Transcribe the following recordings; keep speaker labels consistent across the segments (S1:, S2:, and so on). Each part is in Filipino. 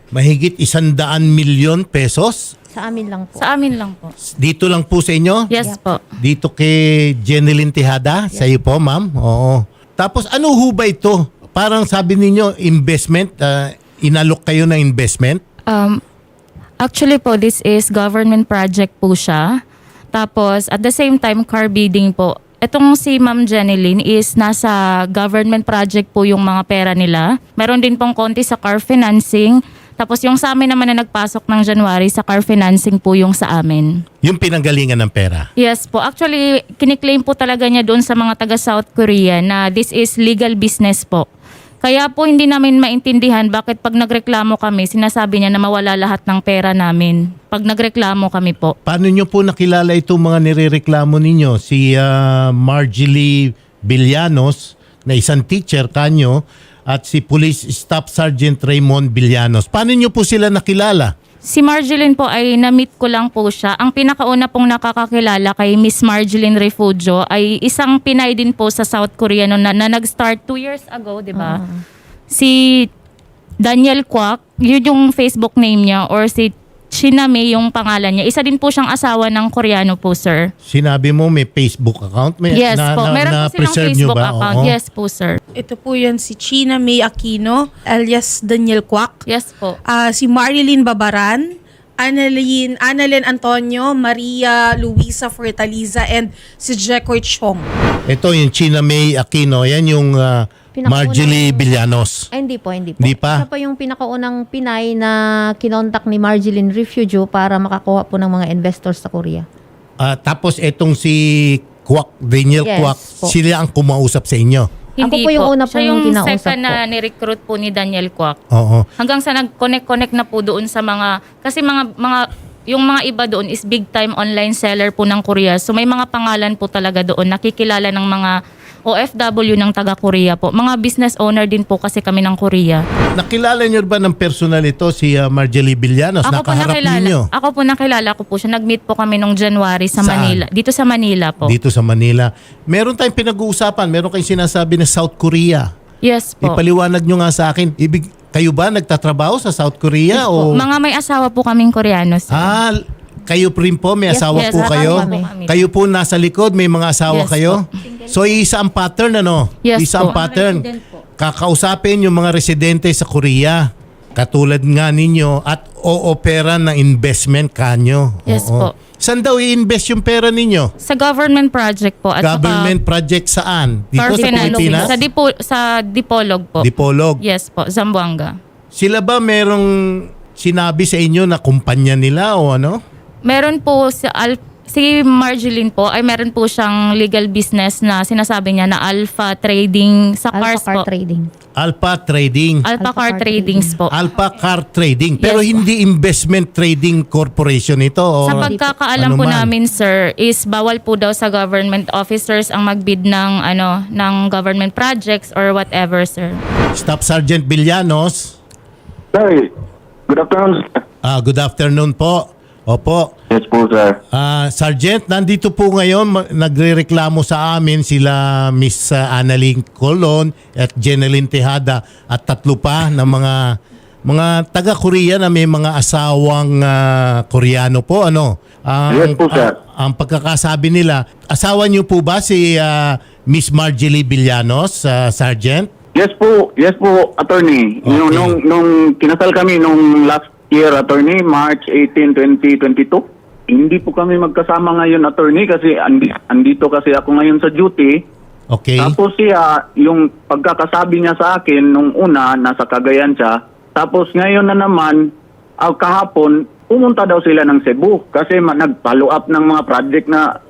S1: Mahigit 100 milyon pesos?
S2: Sa amin lang po.
S3: Sa amin lang po.
S1: Dito lang po sa inyo?
S3: Yes po.
S1: Dito kay Jeneline Tejada? Sa iyo po, ma'am? Oo. Tapos ano ho ba ito? Parang sabi ninyo, investment, inalok kayo ng investment?
S3: Actually po, this is government project po siya. Tapos at the same time, car bidding po. Itong si Ma'am Jeneline is nasa government project po yung mga pera nila. Meron din pong konti sa car financing. Tapos yung sa amin naman na nagpasok ng January, sa car financing po yung sa amin.
S1: Yung pinanggalingan ng pera?
S3: Yes po. Actually, kiniklaim po talaga niya doon sa mga taga South Korea na this is legal business po. Kaya po hindi namin maintindihan bakit pag nagreklamo kami, sinasabi niya na mawala lahat ng pera namin. Pag nagreklamo kami po.
S1: Paano nyo po nakilala itong mga nirereklamo ninyo? Si Marjorie Villanos, na isang teacher kanyo, at si Police Staff Sergeant Raymond Villanos. Paano nyo po sila nakilala?
S3: Si Marjeline po ay na-meet ko lang po siya. Ang pinakauna pong nakakakilala kay Miss Marjeline Refugio ay isang Pinay din po sa South Korea na nag-start 2 years ago, di ba? Si Daniel Kwak, yun yung Facebook name niya, or si Chiname yung pangalan niya. Isa din po siyang asawa ng Koreano po, sir.
S1: Sinabi mo may Facebook account?
S3: Yes po. Meron po silang Facebook account.
S1: Oo.
S3: Yes po, sir.
S4: Ito po yan si China May Aquino, alias Daniel Kwak.
S3: Yes po.
S4: Si Marilyn Babaran, Annalyn Antonio, Maria Luisa Fortaliza, and si Jekoy Chong.
S1: Ito yung China May Aquino. Yan yung Marjorie Villanos.
S2: Ay, hindi po, hindi po.
S1: Hindi pa?
S2: Siya po yung pinakaunang Pinay na kinontak ni Marjeline Refugio para makakuha po ng mga investors sa Korea.
S1: Tapos itong si Kwak, Daniel
S2: Yes
S1: Kwak,
S2: po.
S1: sila ang kumausap sa inyo.
S3: Hindi
S2: Ako po yung una
S3: Siya
S2: pong
S3: yung
S2: kinausap
S3: second na
S2: po.
S3: ni-recruit po ni Daniel Kwak.
S1: Oo.
S3: Hanggang sa nag-connect na po doon sa mga, kasi yung mga iba doon is big time online seller po ng Korea. So may mga pangalan po talaga doon, nakikilala ng mga OFW ng taga Korea po. Mga business owner din po kasi kami ng Korea.
S1: Nakilala niyo ba ng personal ito si Marjorie Villanos? Nakaharap ninyo?
S3: Ako po nakilala ko po siya. Nag-meet po kami nung January sa
S1: Saan?
S3: Manila. Dito sa Manila po.
S1: Dito sa Manila. Meron tayong pinag-uusapan. Meron kayong sinasabi na South Korea.
S3: Yes po.
S1: Ipaliwanag nyo nga sa akin. Kayo ba nagtatrabaho sa South Korea?
S3: Yes
S1: O?
S3: po. Mga may asawa po kaming Koreano. Sir.
S1: Kayo rin po, may asawa
S3: yes,
S1: po kayo?
S3: asawa po kami.
S1: Kayo po nasa likod, may mga asawa
S3: Yes
S1: kayo? So isa ang pattern, ano?
S3: Yes
S1: Isa ang
S3: po.
S1: pattern. Kakausapin yung mga residente sa Korea. Katulad nga ninyo at o-opera ng investment kanyo.
S3: Yes
S1: Oo.
S3: po.
S1: Saan daw i-invest yung pera ninyo?
S3: Sa government project po. At
S1: Government project saan? Dito
S3: car
S1: sa
S3: financing.
S1: Pilipinas?
S3: Sa Dipolog po.
S1: Dipolog.
S3: Yes po, Zamboanga.
S1: Sila ba merong sinabi sa inyo na kumpanya nila o ano?
S3: Meron po si Marjeline po ay meron po siyang legal business na sinasabi niya na Alpha Trading sa cars
S2: Alpha Car
S3: po.
S2: Trading.
S1: Alpha Trading.
S3: Alpha
S2: Alpha
S3: Car
S2: Car
S3: Tradings po.
S1: Alpha Car Trading. Pero
S3: Yes,
S1: hindi Investment Trading Corporation ito. O
S3: Sa pagkakaalam
S1: ano
S3: po
S1: man.
S3: namin, sir, is bawal po daw sa government officers ang magbid ng government projects or whatever, sir.
S1: Staff Sergeant Villanos.
S5: Sir, good afternoon.
S1: Good afternoon po. Opo.
S5: Yes po, sir.
S1: Sergeant, nandito po ngayon, nagrereklamo sa amin sila Miss Annalyn Colon at Jeneline Tejada at tatlo pa na mga taga-Korea na may mga asawang Koreano po. Ano?
S5: Yes po, sir.
S1: Ang pagkakasabi nila, asawa niyo po ba si Miss Marjorie Villanos, Sergeant?
S5: Yes po, attorney.
S1: Okay.
S5: Nung kinasal kami nung last year, attorney, March 18, 2022. Hindi po kami magkasama ngayon, attorney, kasi andito kasi ako ngayon sa duty.
S1: Okay.
S5: Tapos siya, yung pagkakasabi niya sa akin nung una, nasa Cagayan siya. Tapos ngayon na naman, kahapon, pumunta daw sila ng Cebu kasi nag-follow up ng mga project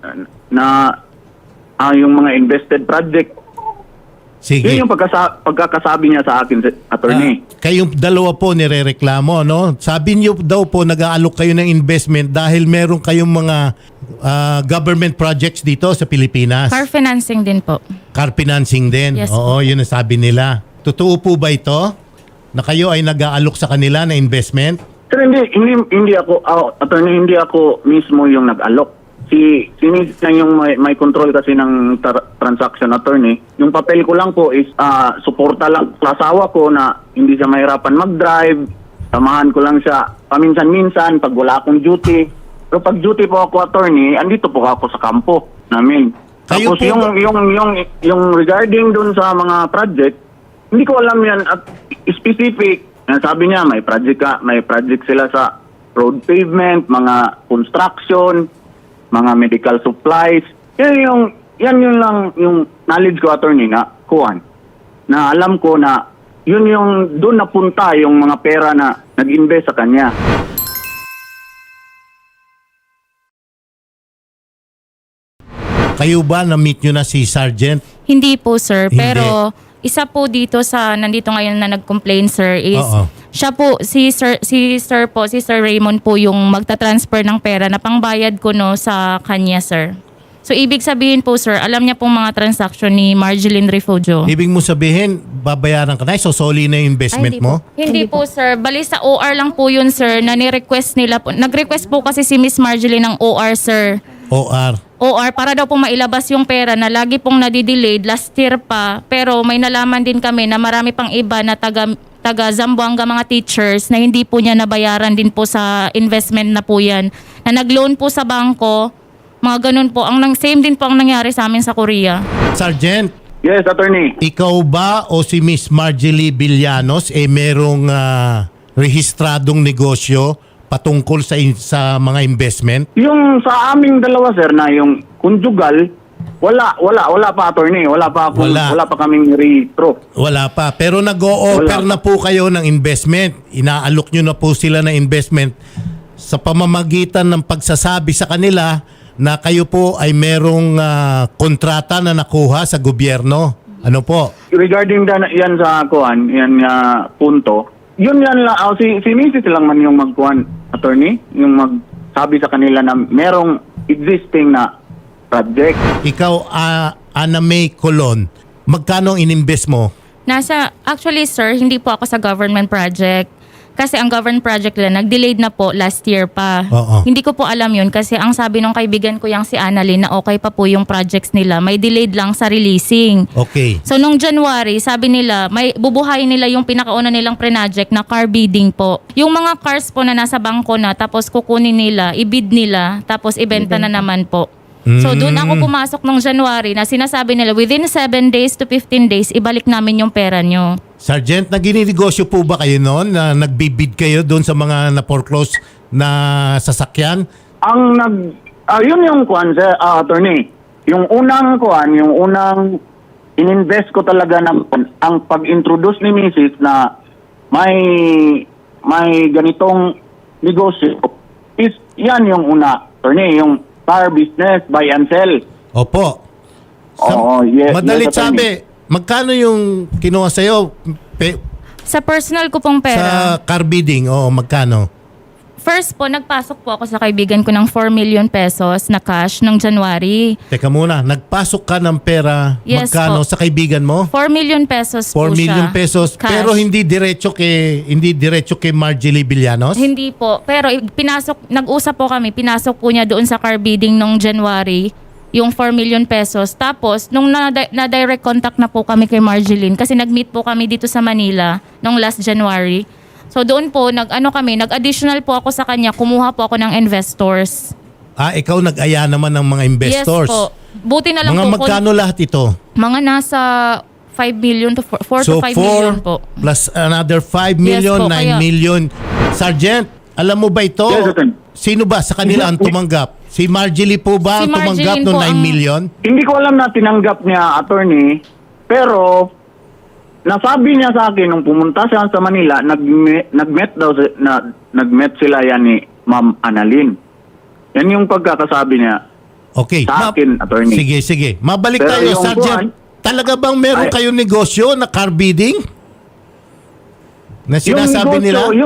S5: na yung mga invested project.
S1: Sige.
S5: Yun yung pagkakasabi niya sa akin, attorney.
S1: Kayong dalawa po nirereklamo, no? Sabi niyo daw po nag-aalok kayo ng investment dahil meron kayong mga government projects dito sa Pilipinas.
S3: Car financing din po.
S1: Car financing din.
S3: Yes
S1: Oo, yun ang sabi nila. Totoo po ba ito? Na kayo ay nag-aalok sa kanila na investment?
S5: Sir, hindi ako, attorney, hindi ako mismo yung nag-alok. Si Miss na yung may control kasi ng transaction, attorney. Yung papel ko lang po is suporta lang sa asawa ko na hindi siya mahirapan mag-drive. Samahan ko lang siya paminsan-minsan pag wala akong duty. Pero pag duty po ako, attorney, andito po ako sa kampo namin.
S1: Kayo
S5: Tapos
S1: po
S5: yung regarding dun sa mga project, hindi ko alam yan at specific. Sabi niya may project sila sa road pavement, mga construction, mga medical supplies. Yan yun lang yung knowledge ko, attorney, na kuhan. Na alam ko na yun yung doon napunta yung mga pera na nag-invest sa kanya.
S1: Kayo ba na-meet nyo na si Sergeant?
S3: Hindi po, sir.
S1: Hindi.
S3: Pero isa po dito sa nandito ngayon na nag-complain, sir, is
S1: Oo.
S3: siya po, si Sir Raymond po yung magta-transfer ng pera na pangbayad ko no sa kanya, sir. So, ibig sabihin po, sir, alam niya pong mga transaction ni Marjeline Refugio.
S1: Ibig mo sabihin, babayaran ka na, sosoli na yung investment
S2: Ay, hindi
S1: mo?
S2: po.
S3: Hindi po, sir. Bali sa OR lang po yun, sir, na ni-request nila po. Nag-request po kasi si Miss Marjeline ng OR, sir.
S1: OR.
S3: OR para daw po mailabas yung pera na lagi pong nadidelayed last year pa. Pero may nalaman din kami na marami pang iba na taga Zamboanga mga teachers na hindi po niya nabayaran din po sa investment na po yan. Na nag-loan po sa bangko, mga ganun po. Same din po ang nangyari sa amin sa Korea.
S1: Sergeant,
S5: Yes, attorney.
S1: ikaw ba o si Miss Marjorie Villanos merong rehistradong negosyo patungkol sa mga investment?
S5: Yung sa aming dalawa, sir, na yung conjugal, wala pa, attorney. Wala pa kaming retro.
S1: Wala pa. Pero nag-o-offer
S5: Wala
S1: na po kayo ng investment. Inaalok nyo na po sila ng investment sa pamamagitan ng pagsasabi sa kanila na kayo po ay merong kontrata na nakuha sa gobyerno. Ano po?
S5: Regarding yan sa kuan, yan punto, yan lang, si Mrs. lang man yung magkuhan, attorney, yung magsabi sa kanila na merong existing na project.
S1: Ikaw, Ana May Colon, magkano ang ininvest mo?
S3: Actually, sir, hindi po ako sa government project. Kasi ang government project nila, nag-delayed na po last year pa.
S1: Oo.
S3: Hindi ko po alam yun kasi ang sabi ng kaibigan ko yung si Annalyn na okay pa po yung projects nila. May delayed lang sa releasing.
S1: Okay.
S3: So, nung January, sabi nila, may bubuhayin nila yung pinakauna nilang pre-project na car bidding po. Yung mga cars po na nasa bangko na, tapos kukunin nila, i-bid nila, tapos ibenta na naman po. So, doon ako pumasok nung January na sinasabi nila, within 7 days to 15 days, ibalik namin yung pera nyo.
S1: Sergeant, nagininegosyo po ba kayo noon na nagbibid kayo doon sa mga na-foreclose na sasakyan?
S5: Yun yung kuan, sir, attorney. Yung unang kuan, yung unang ininvest ko talaga ang pag-introduce ni Mrs. na may ganitong negosyo is yan yung una, attorney, yung car business, buy and sell.
S1: Opo.
S5: Oo, yes.
S1: Madalit
S5: yes, attorney.
S1: sabi, magkano yung kinuha sa'yo
S3: Sa personal ko pong pera,
S1: sa car bidding? Oo, magkano?
S3: first po, nagpasok po ako sa kaibigan ko ng 4 million pesos na cash ng January.
S1: Teka muna, nagpasok ka ng pera,
S3: Yes
S1: magkano
S3: po.
S1: sa kaibigan mo?
S3: 4 million pesos
S1: 4
S3: po
S1: million
S3: siya.
S1: pesos,
S3: Cash.
S1: pero hindi diretso kay Marjorie Villanos?
S3: Hindi po. Pero nag-usap po kami, pinasok po niya doon sa car bidding nung January, yung 4 million pesos. Tapos, nung na-direct contact na po kami kay Marjeline, kasi nag-meet po kami dito sa Manila nung last January. So, doon po, nag-additional po ako sa kanya, kumuha po ako ng investors.
S1: Ikaw nag-aya naman ng mga investors.
S3: Yes po. Buti na lang
S1: Mga
S3: po.
S1: magkano lahat ito?
S3: Mga nasa 5 million to 4
S1: So
S3: to 5 million po.
S1: plus another 5 million,
S3: po,
S1: 9
S3: kaya-
S1: million. Sergeant, alam mo ba ito?
S5: Yes, Atty.
S1: Sino ba sa kanila ang tumanggap? Si Marjorie po ba
S3: Si
S1: ang tumanggap
S3: Marjeline
S1: ng
S3: po
S1: 9
S3: ang-
S1: million?
S5: Hindi ko alam na tinanggap niya, attorney, pero nasabi niya sa akin nung pumunta siya sa Manila, nag-met sila yan ni Ma'am Annalyn. Yan yung pagkakasabi niya.
S1: Okay.
S5: Sa akin, attorney.
S1: Sige. Mabalik
S5: Pero
S1: tayo,
S5: yung
S1: Sergeant. Talaga bang meron
S5: Ay-
S1: kayong negosyo na car bidding? Na sinasabi
S5: yung
S1: nila?
S5: negosyo,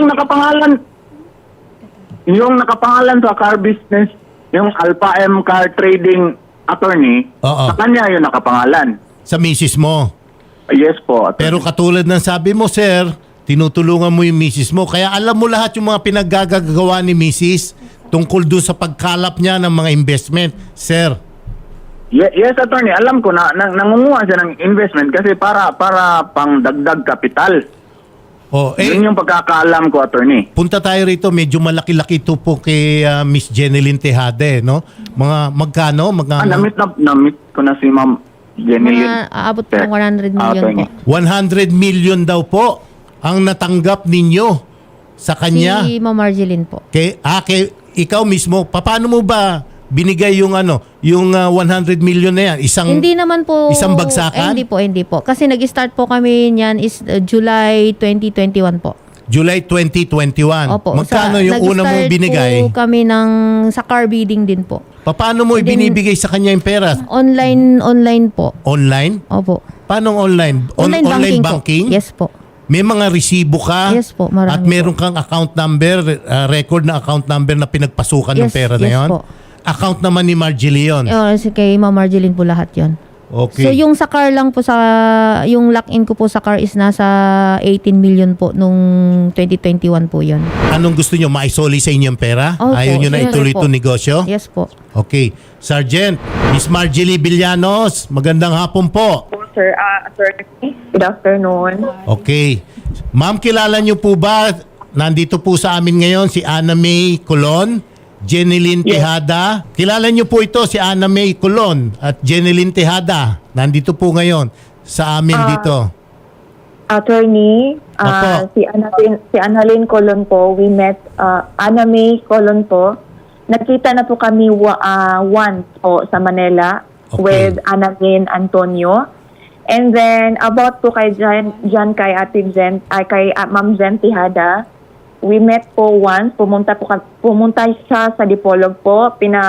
S5: yung nakapangalan sa car business, yung Alpha M Car Trading Attorney,
S1: Oo.
S5: sa kanya yung nakapangalan.
S1: Sa misis mo.
S5: Yes po, attorney.
S1: Pero katulad ng sabi mo, sir, tinutulungan mo yung misis mo. Kaya alam mo lahat yung mga pinaggagawa ni misis tungkol doon sa pagkalap niya ng mga investment. Sir,
S5: Yes, attorney. Alam ko na nangunguha siya ng investment kasi para pang dagdag kapital.
S1: Oh,
S5: Yun yung pagkakaalam ko, attorney.
S1: punta tayo rito, medyo malaki-laki ito po kay Miss Jeneline Tejada, no? Mga magkano?
S5: Namit ko na si Ma'am Jenny.
S2: Mga aabot po ng 100 million po.
S1: 100 million daw po ang natanggap ninyo sa kanya.
S2: Si Ma'am Marjeline po.
S1: Kay ikaw mismo, paano mo ba binigay yung yung 100 million na yan?
S2: Hindi naman po.
S1: Isang bagsakan?
S2: Hindi po. Kasi nag-start po kami niyan is July 2021 po.
S1: July 2021.
S2: Opo.
S1: Magkano yung una mong binigay?
S2: Nag-start po kami sa car bidding din po.
S1: Paano mo ibinibigay sa kanya yung pera?
S2: Online po.
S1: Online?
S2: Opo.
S1: Paano online?
S2: Online banking,
S1: banking?
S2: po. Yes po.
S1: May mga resibo ka?
S2: Yes po, marami
S1: At meron kang account number, record na account number na pinagpasukan ng
S2: Yes,
S1: pera na
S2: yes
S1: yon?
S2: po.
S1: Account naman ni Marjorie yun?
S2: Kay Ma'am Marjeline po lahat yon.
S1: Okay.
S2: So yung sa car lang po yung lock-in ko po sa car is nasa 18 million po nung 2021 po yon.
S1: Anong gusto nyo? Maisoli sa inyong pera?
S2: Opo,
S1: Ayaw nyo na
S2: yes
S1: ituloy
S2: po.
S1: itong negosyo?
S2: Yes po.
S1: Okay. Sergeant, Miss Marjorie Villanos, magandang hapon po.
S6: Sir, attorney, good afternoon.
S1: Okay. Ma'am, kilala nyo po ba, nandito po sa amin ngayon si Ana May Colon, Jeneline Tejada. Kilala nyo po ito, si Ana May Colon at Jeneline Tejada. Nandito po ngayon sa amin dito.
S6: Attorney,
S1: Opo.
S6: si Annalyn Colon po, we met, Ana May Colon po. Nakita na po kami once po sa Manila
S1: Okay.
S6: with Annalyn Antonio. And then, about po kay Jan kay Ate Jen, kay Ma'am Jen Tejada, we met po once, pumunta siya sa Dipolog po,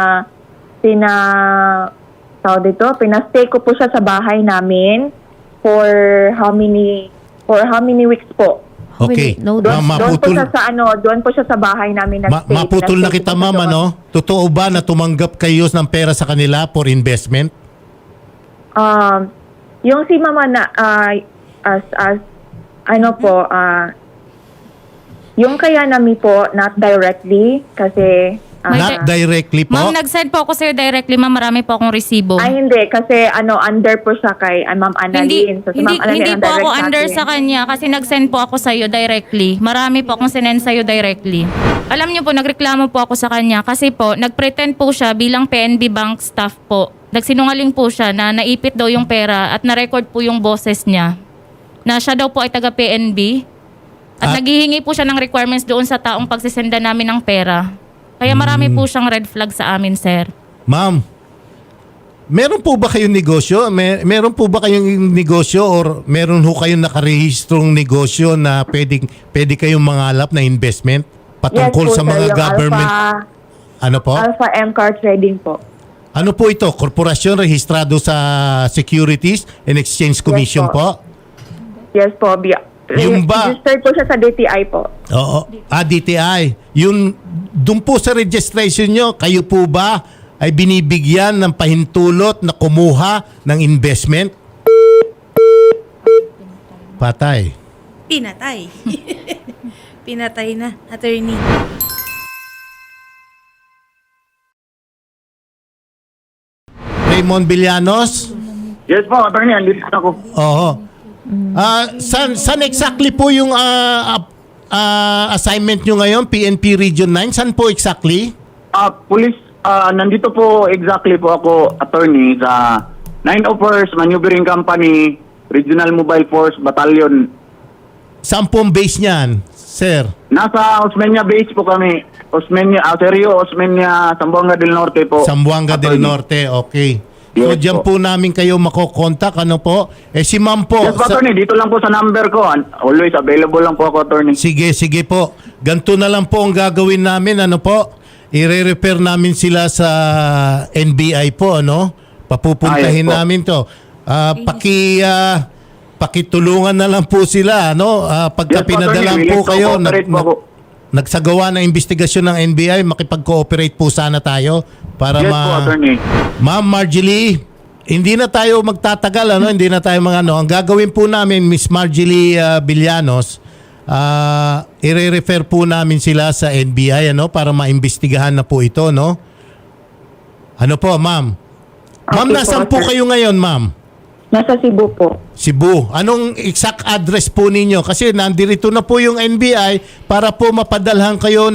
S6: pinastay ko po siya sa bahay namin for how many weeks po.
S1: Okay.
S2: No,
S1: Ma'am,
S6: Doon po
S1: maputol,
S6: siya doon po siya sa bahay namin nagstay.
S1: maputol na
S6: Pinastay
S1: kita,
S6: ko po
S1: ma'am,
S6: siya doon.
S1: Totoo ba na tumanggap kayo ng pera sa kanila for investment?
S6: Yung si Mama na yung kaya nami po not directly kasi
S1: Not directly po?
S3: Ma'am, nag-send po ako sa'yo directly. Ma'am, marami po akong resibo.
S6: hindi kasi under po siya kay Ma'am Annalyn. So, si Ma'am Annalyn
S3: hindi
S6: ang
S3: po ako
S6: direct
S3: under
S6: akin.
S3: sa kanya kasi nag-send po ako sa'yo directly. Marami po akong sinend sa'yo directly. Alam niyo po, nagreklamo po ako sa kanya kasi po, nagpretend po siya bilang PNB Bank staff po. Nagsinungaling po siya na naipit daw yung pera at na-record po yung boses niya na siya daw po ay taga PNB at naghihingi po siya ng requirements doon sa taong pagsisenda namin ng pera. Kaya marami po siyang red flag sa amin, sir.
S1: Ma'am, meron po ba kayong negosyo? Meron po ba kayong negosyo or meron ho kayong nakarehistrong negosyo na pwede kayong mangalap na investment patungkol
S6: Yes po,
S1: sa
S6: sir,
S1: mga
S6: yung
S1: government? Ano po?
S6: Alpha M Car Trading po.
S1: Ano po ito? Korporasyon rehistrado sa Securities and Exchange Commission
S6: po.
S1: po?
S6: Yes po.
S1: Yung ba-
S6: Registered po siya sa DTI po.
S1: Oo. DTI. Doon po sa registration nyo, kayo po ba ay binibigyan ng pahintulot na kumuha ng investment? Patay.
S4: Pinatay. Pinatay na, attorney.
S1: Raymond Villanos?
S5: Yes po, attorney, andito ako.
S1: Oo. Saan exactly po yung assignment nyo ngayon, PNP Region 9? Saan po exactly?
S5: Police, nandito po exactly po ako, attorney, sa 901st Maneuvering Company, Regional Mobile Force Battalion.
S1: Saan po ang base niyan, sir?
S5: Nasa Osmeña Base po kami. Osmeña, Zamboanga del Norte po.
S1: Zamboanga del
S5: Attorney.
S1: Norte, okay. So
S5: Yes
S1: diyan po namin kayo makokontak, ano po? Si ma'am po.
S5: Yes po, attorney. Dito lang po sa number ko. Always available lang po ako, attorney.
S1: Sige po. Ganito na lang po ang gagawin namin, ano po? I-refer namin sila sa NBI po, ano? Papupuntahin
S5: Yes po.
S1: namin to. Pakitulungan na lang po sila, ano? Pagka
S5: Yes po,
S1: pinadalan
S5: attorney.
S1: po
S5: Willing to
S1: kayo,
S5: cooperate po ako.
S1: nagsagawa ng investigasyon ng NBI, makipag-cooperate po sana tayo para
S5: Yes po, attorney.
S1: Ma'am Marjorie, hindi na tayo magtatagal, ano? Hindi na tayo Ang gagawin po namin, Miss Marjorie Villanos, i-refer po namin sila sa NBI, ano? Para maimbestigahan na po ito, no? Ano po, ma'am? Ma'am,
S6: Okay po,
S1: nasaan po
S6: sir.
S1: kayo ngayon, ma'am?
S6: Nasa Cebu po.
S1: Cebu. Anong exact address po ninyo? Kasi nandito na po yung NBI para po mapadalhan kayo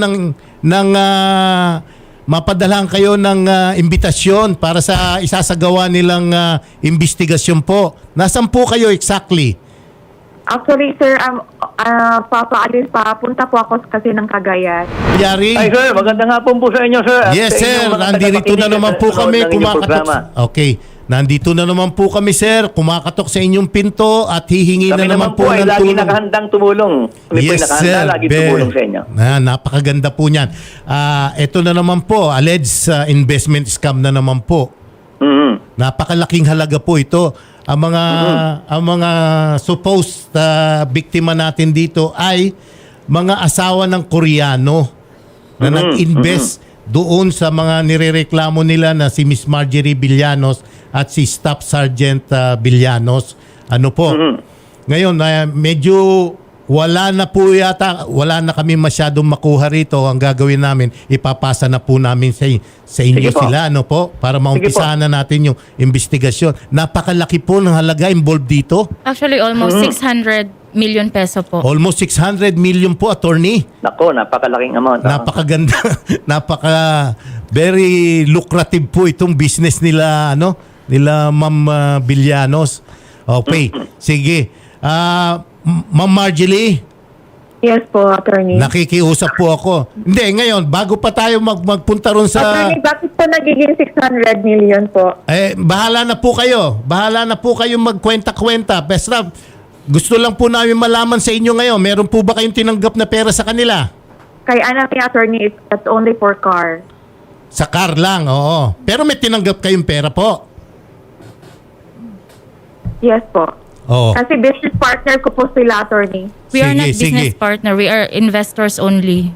S1: ng imbitasyon para sa isasagawa nilang investigasyon po. Nasaan po kayo exactly?
S6: Actually, sir, papunta po ako kasi ng Cagayan.
S1: Yari?
S7: Ay sir, magandang hapon po sa inyo sir. At
S1: Yes
S7: sa
S1: sir,
S7: inyong mga
S1: nandito na
S7: tagapakinig
S1: naman
S7: at
S1: po
S7: nanonood
S1: kami
S7: ng inyong
S1: kumakatok.
S7: programa.
S1: Okay, nandito na naman po kami sir, kumakatok sa inyong pinto at hihingi
S7: Kami
S1: na naman po
S7: ay
S1: ng
S7: lagi
S1: tulong.
S7: nakahandang tumulong. Kami po ay nakahanda lagi tumulong sa inyo.
S1: Napakaganda po niyan. Ito na naman po, alleged investment scam na naman po.
S7: Mhm.
S1: Napakalaking halaga po ito. Ang mga supposed biktima natin dito ay mga asawa ng Koreano na nag-invest doon sa mga nirereklamo nila na si Miss Marjorie Villanos at si Staff Sergeant Villanos. Ano po? Ngayon, medyo wala na kami masyadong makuha rito. Ang gagawin namin, ipapasa na po namin sa inyo
S7: Sige po.
S1: sila, ano po? Para maumpisahan na natin yung investigasyon. Napakalaki po ng halaga involved dito.
S3: Actually, almost 600 million peso po.
S1: Almost 600 million po, attorney.
S7: Nako, napakalaking amount.
S1: Napakaganda. Very lucrative po itong business nila, nila Ma'am Villanos. Okay, sige. Ma'am Marjorie,
S6: Yes po, attorney.
S1: nakikiusap po ako. Hindi, ngayon, bago pa tayo magpunta ron sa...
S6: Attorney, bakit po nagiging 600 million po?
S1: Bahala na po kayo. Bahala na po kayo magkwenta-kwenta. Basta, gusto lang po namin malaman sa inyo ngayon. Meron po ba kayong tinanggap na pera sa kanila?
S6: Kay anak ni attorney, it's only for car.
S1: Sa car lang, oo. Pero may tinanggap kayong pera po.
S6: Yes po.
S1: Oo.
S6: Kasi business partner ko po sila, attorney.
S3: We are not
S1: Sige,
S3: business
S1: sige.
S3: partner. We are investors only.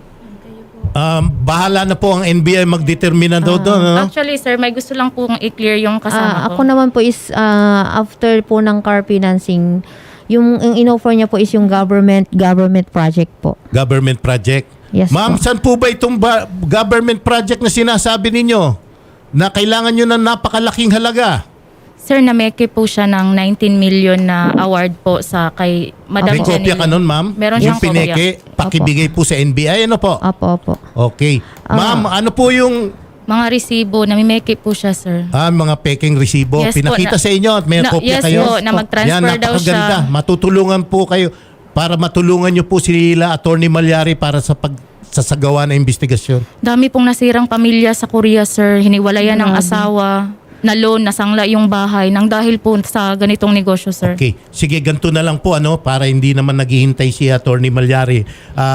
S1: Bahala na po ang NBI magdetermina daw doon. Ano?
S3: Actually, sir, may gusto lang pong i-clear yung kasama
S2: Ako
S3: ko.
S2: naman po is after po ng car financing, yung in-offer niya po is yung government project po.
S1: Government project.
S2: Yes
S1: Ma'am,
S2: po.
S1: saan po ba itong government project na sinasabi ninyo? Na kailangan nyo ng napakalaking halaga?
S3: Sir, nameke po siya ng 19 million na award po sa kay Madam
S1: May kopya ka nun, ma'am?
S3: Meron
S1: Yung
S3: siyang kopya.
S1: pineke, pakibigay po sa NBI. Ano po?
S2: Opo.
S1: Okay. Ma'am, ano po yung
S3: Mga resibo, namimeke po siya, sir.
S1: mga peking resibo?
S3: Yes po,
S1: Pinakita sa inyo at may kopya
S3: yes
S1: kayo?
S3: po, na mag-transfer
S1: Yan,
S3: daw siya.
S1: napakaganda. Matutulungan po kayo para matulungan nyo po sila, Attorney Malyari, para sa pagsasagawa ng investigasyon.
S3: Dami pong nasirang pamilya sa Korea, sir. Hiniwalayan ng asawa, na loan, nasangla yung bahay nang dahil po sa ganitong negosyo, sir.
S1: Okay. Sige, ganito na lang po para hindi naman naghihintay si Attorney Malyari.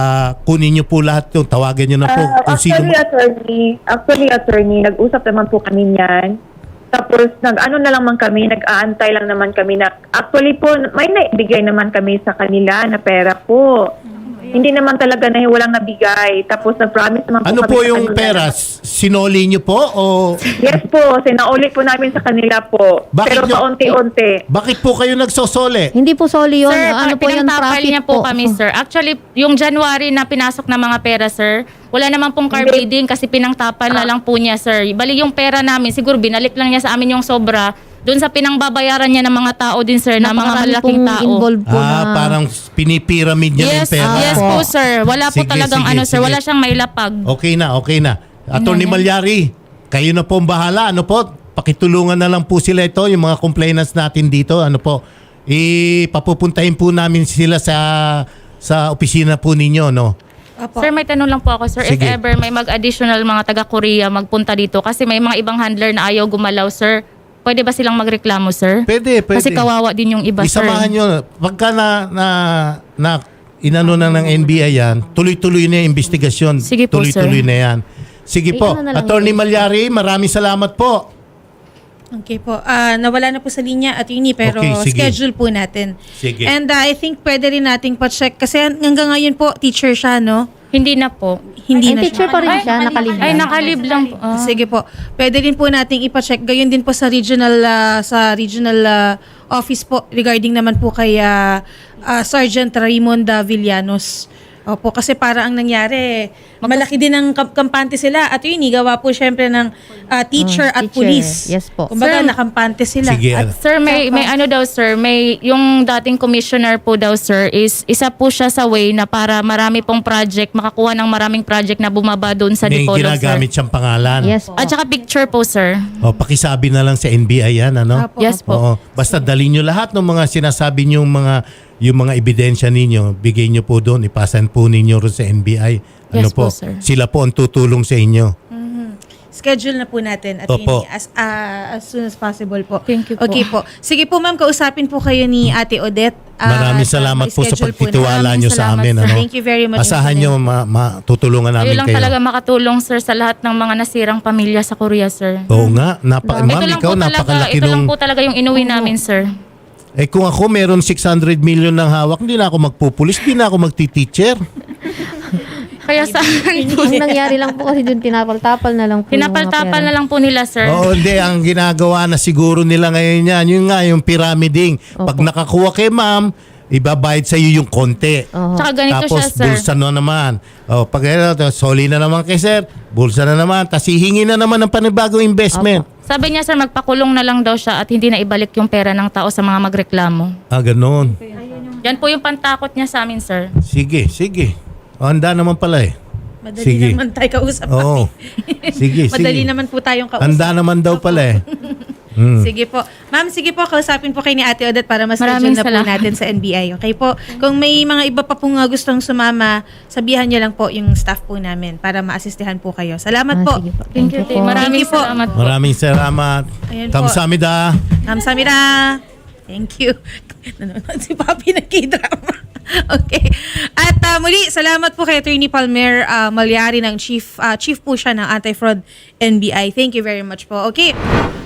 S1: Kunin niyo po lahat 'yung tawagan niyo na po kung sino.
S6: Actually, attorney, nag-usap naman po kami niyan. Tapos, nag-ano na lang man kami, nag-aantay lang naman kami na, actually po, may naibigay naman kami sa kanila na pera po. Hindi naman talaga na walang nabigay. Tapos, nag-promise naman po
S1: Ano
S6: kami
S1: po
S6: sa
S1: yung
S6: kanila.
S1: pera? Sinoli niyo po o
S6: Yes po, sinauli po namin sa kanila po.
S1: Bakit
S6: Pero
S1: nyo-
S6: paunti-unti.
S1: bakit po kayo nagsosole?
S2: Hindi po soli yun.
S3: Sir,
S2: Ano po yun?
S3: pinagtapal
S2: Profit
S3: niya po kami, sir. Actually, yung January na pinasok na mga pera, sir, wala naman pong car
S6: Hindi.
S3: bidding kasi pinangtapal na lang po niya, sir. Bali yung pera namin, siguro binalik lang niya sa amin yung sobra doon sa pinangbabayaran niya ng mga tao din, sir, na mga
S2: Napakarami
S3: malaking
S2: pong
S3: tao.
S2: involved po na.
S1: Parang pinipiramid niya
S3: Yes,
S1: yung pera.
S3: yes po, sir. Wala po
S1: Sige,
S3: talagang
S1: sige,
S3: sir.
S1: sige.
S3: Wala siyang mailapag.
S1: Okay na. Attorney Malyari, kayo na po ang bahala. Ano po? Pakitulungan na lang po sila ito, yung mga complainants natin dito. Ano po? Ipapupuntahin po namin sila sa opisina po ninyo, no?
S4: Apo.
S3: Sir, may tanong lang po ako, sir.
S1: Sige.
S3: If ever may mag-additional mga taga-Korea magpunta dito kasi may mga ibang handler na ayaw gumalaw, sir, pwede ba silang magreklamo, sir?
S1: Pwede.
S3: Kasi kawawa din yung iba, sir.
S1: Isamahan nyo. Pagka na inano na ng NBI yan, tuloy-tuloy na yung investigasyon.
S3: Sige po,
S1: tuloy-tuloy
S3: sir.
S1: na yan. Sige po.
S2: ano na lang
S1: Attorney Malyari, maraming salamat po.
S4: Okay po. Nawala na po sa linya at yun pero
S1: Okay, sige.
S4: schedule po natin.
S1: Sige.
S4: And I think pwede rin nating pa-check kasi hanggang ngayon po teacher siya, no?
S3: Hindi na po.
S4: Hindi
S2: Ay,
S4: na
S2: teacher
S4: siya.
S2: pa rin siya, nakalib.
S3: Ay, nakalib lang po. Ah.
S4: Sige po. Pwede din po nating ipa-check. Gayon din po sa regional office po regarding naman po kay Sergeant Raymond Villanos. Opo, kasi para ang nangyari, malaki din ang kampante sila. At yun, gawa po syempre ng teacher at
S2: teacher.
S4: police.
S2: Yes po.
S4: Kumbaga,
S3: Sir,
S4: nakampante sila.
S1: Sige.
S4: At
S3: Sir, may ano daw sir, may yung dating commissioner po daw sir is isa po siya sa way na para marami pong project, makakuha ng maraming project na bumaba doon sa
S1: May
S3: Dipolog
S1: ginagamit
S3: sir.
S1: siyang pangalan.
S2: Yes po.
S3: At saka picture po sir.
S1: O, pakisabi na lang sa NBI yan, ano?
S4: Apo,
S3: Yes po.
S1: Oo. Basta dali nyo lahat ng mga sinasabi nyo, yung mga ebidensya ninyo, bigay nyo po doon, ipasan po ninyo rin sa NBI. Ano
S3: Yes po, sir.
S1: Sila po ang tutulong sa inyo.
S4: schedule na po natin at
S1: Opo.
S4: as soon as possible po.
S3: Thank you po.
S4: Okay po. Sige po ma'am, kausapin po kayo ni Ate Odette.
S1: Maraming
S4: at,
S1: salamat po sa
S4: ma-schedule po
S1: pagtitiwala
S3: Maraming
S1: nyo sa
S3: salamat,
S1: amin.
S3: sir.
S1: Ano?
S4: Thank you very much.
S1: Asahan
S4: Mr.
S1: nyo, matutulungan namin
S3: Kayo lang
S1: kayo.
S3: talaga makatulong sir sa lahat ng mga nasirang pamilya sa Korea sir.
S1: Oo nga. Ma'am, ikaw napakalaki
S3: ito lang
S1: nung...
S3: po talaga yung inuwi namin sir.
S1: Eh kung ako meron 600 million ng hawak, hindi na ako magpupulis, hindi na ako magti-teacher.
S3: Kaya sa
S2: Ang nangyari lang po kasi dun, tinapal-tapal na lang po yung mga
S3: pinapal-tapal
S2: pera.
S3: na lang po nila sir.
S1: Oo, hindi. Ang ginagawa na siguro nila ngayon yan, yun nga, yung pyramiding. Pag nakakuha kay ma'am, ibabayad sa iyo yung konti.
S3: Tsaka ganito
S1: Tapos
S3: siya sir.
S1: bulsa na naman. O, pag soli na naman kay sir, bulsa na naman. Tapos hihingi na naman ng panibagong investment.
S3: Sabi niya sir, magpakulong na lang daw siya at hindi na ibalik yung pera ng tao sa mga magreklamo.
S1: Ah, ganun.
S3: Yan po yung pantakot niya sa amin sir.
S1: Sige, sige. O, handa naman pala eh.
S4: Madali
S1: Sige.
S4: naman tayo kausap.
S1: Oo. Sige, sige.
S4: Madali naman po tayong kausap.
S1: Handa naman daw pala eh.
S4: Sige po. Ma'am, sige po, kausapin po kayo ni Ate Odette para
S3: Maraming
S4: mas-schedule na po
S3: salamat.
S4: natin sa NBI. Okay po? Kung may mga iba pa pong gustong sumama, sabihan niyo lang po yung staff po namin para ma-assistihan po kayo. Salamat po.
S2: Sige po.
S3: Thank you.
S2: po.
S3: Maraming
S4: Thank you po.
S3: salamat po.
S1: Maraming salamat.
S4: Ayan po.
S1: Kamsamida.
S4: Kamsahamnida. Thank you. Nanonood si Papi ng K-drama. Okay. At muli, salamat po kay Attorney Palmer Malyari ng chief po siya ng Anti-Fraud NBI. Thank you very much po. Okay.